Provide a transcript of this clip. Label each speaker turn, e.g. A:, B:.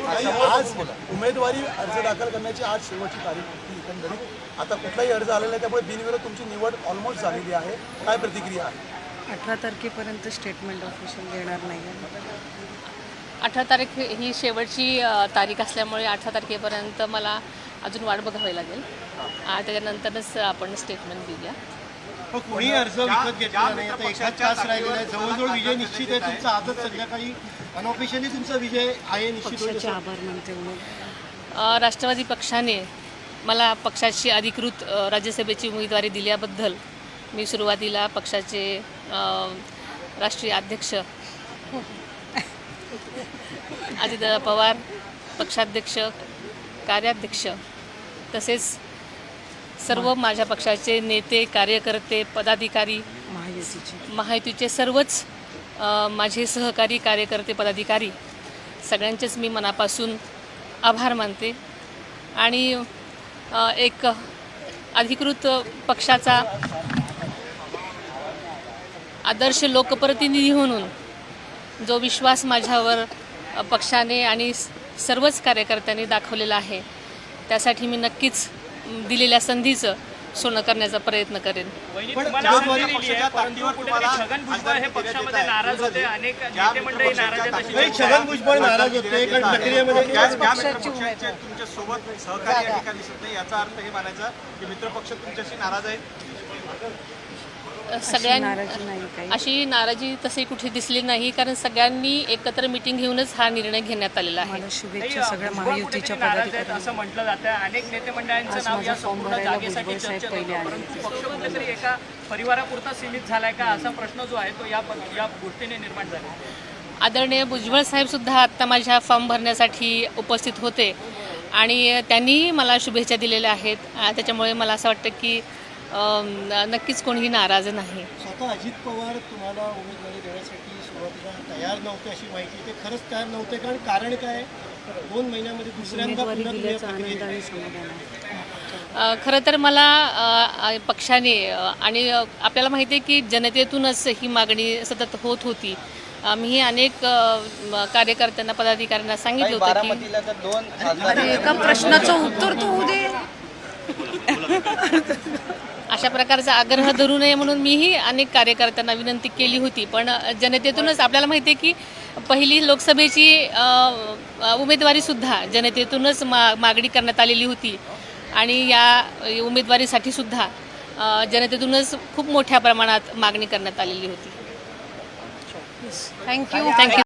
A: आज उमेदवारी अर्ज दाखल करण्याची आज शेवटची तारीख होती एकंदरीत। आता कुठलाही अर्ज आलेला नाही, त्यामुळे बिनविरोध तुमची निवड ऑलमोस्ट झालेली आहे। काय प्रतिक्रिया आहे?
B: 18 तारखेपर्यंत स्टेटमेंट ऑफिशियल देणार नाही आहे।
C: 18 तारीख ही शेवटची तारीख असल्यामुळे 18 तारखेपर्यंत मला अजून वाट बघावी लागेल। त्याच्यानंतरच आपण स्टेटमेंट देऊया।
D: कोणी अर्ज विकत घेतला नाही, आता एकाच तास राहिलेला आहे, जवळजवळ विजय निश्चित आहे तुमचा। आजच संध्याकाळी अनऑफिशियली तुमचा विजय आहे निश्चित होईल।
B: आभार मानते।
C: राष्ट्रवादी पक्षाने मला पक्षाची अधिकृत राज्यसभेची उमेदवारी दिल्याबद्दल मी सुरुवातीला पक्षाचे राष्ट्रीय अध्यक्ष अजितदादा पवार, पक्षाध्यक्ष, कार्याध्यक्ष तसेच सर्व माझ्या पक्षाचे नेते, कार्यकर्ते, पदाधिकारी, महायुतीचे सर्वच माझे सहकारी, कार्यकर्ते, पदाधिकारी सगळ्यांचेच मी मनापासून आभार मानते। आणि एक अधिकृत पक्षाचा आदर्श लोकप्रतिनिधी म्हणून जो विश्वास माझ्यावर पक्षाने आणि सर्वच कार्यकर्त्यांनी दाखवलेला आहे, त्यासाठी मी नक्कीच दिलेल्या संधीचं सोनं करण्याचा प्रयत्न करेन।
E: छगन भुजबळ हे पक्षामध्ये नाराज होते, अनेक नेते मंडळी नाराज आहेत।
D: छगन भुजबळ नाराज होते कारण प्रक्रियेमध्ये
E: तुमच्या सोबत सहकारी या ठिकाणी दिसत नाही, याचा अर्थ हे मानायचा की मित्रपक्ष तुमच्याशी नाराज आहेत?
C: अशी नाराजी तशी कुठे दिसली नाही, कारण सगळ्यांनी एकत्र मीटिंग घेऊनच हा निर्णय घेण्यात आलेला आहे।
B: शुभेच्छा सगळ्या महायुतीच्या पदाधिकाऱ्यांना
E: असं म्हटलं जातं, अनेक नेते मंडळांचं नाव या संपूर्ण जागेसाठी चर्चेत होतं, परंतु पक्ष कुठेतरी एका परिवारापुरता सीमित झालाय का, असा प्रश्न जो आहे तो या गोष्टीने निर्माण झाला।
C: आदरणीय भुजबळ साहेब सुद्धा आत्ता माझ्या फॉर्म भरण्यासाठी उपस्थित होते आणि त्यांनी मला शुभेच्छा दिलेल्या आहेत। त्याच्यामुळे मला असं वाटतं की नक्कीच कोणीही नाराज नाही।
D: स्वतः अजित पवार तुम्हाला उमेदवारी देण्यासाठी सुरुवातीला तयार नव्हते अशी माहिती, ते खरंच तयार नव्हते कारण काय? 2 महिन्यामध्ये दुसऱ्यांदा
C: खरं तर मला पक्षाने आणि आपल्याला माहिती आहे की जनतेतूनच ही मागणी सतत होत होती। मी अनेक कार्यकर्त्यांना, पदाधिकाऱ्यांना सांगितलं होतं की
B: एका प्रश्नाचं उत्तर तू दे।
C: अशा प्रकारचा आग्रह धरू नये म्हणून मीही अनेक कार्यकर्त्यांना विनंती केली होती, पण जनतेतूनच आपल्याला माहिती आहे की पहिली लोकसभेची उमेदवारीसुद्धा जनतेतूनच मागणी करण्यात आलेली होती आणि या उमेदवारीसाठी सुद्धा जनतेतूनच खूप मोठ्या प्रमाणात मागणी करण्यात आलेली होती। थँक्यू।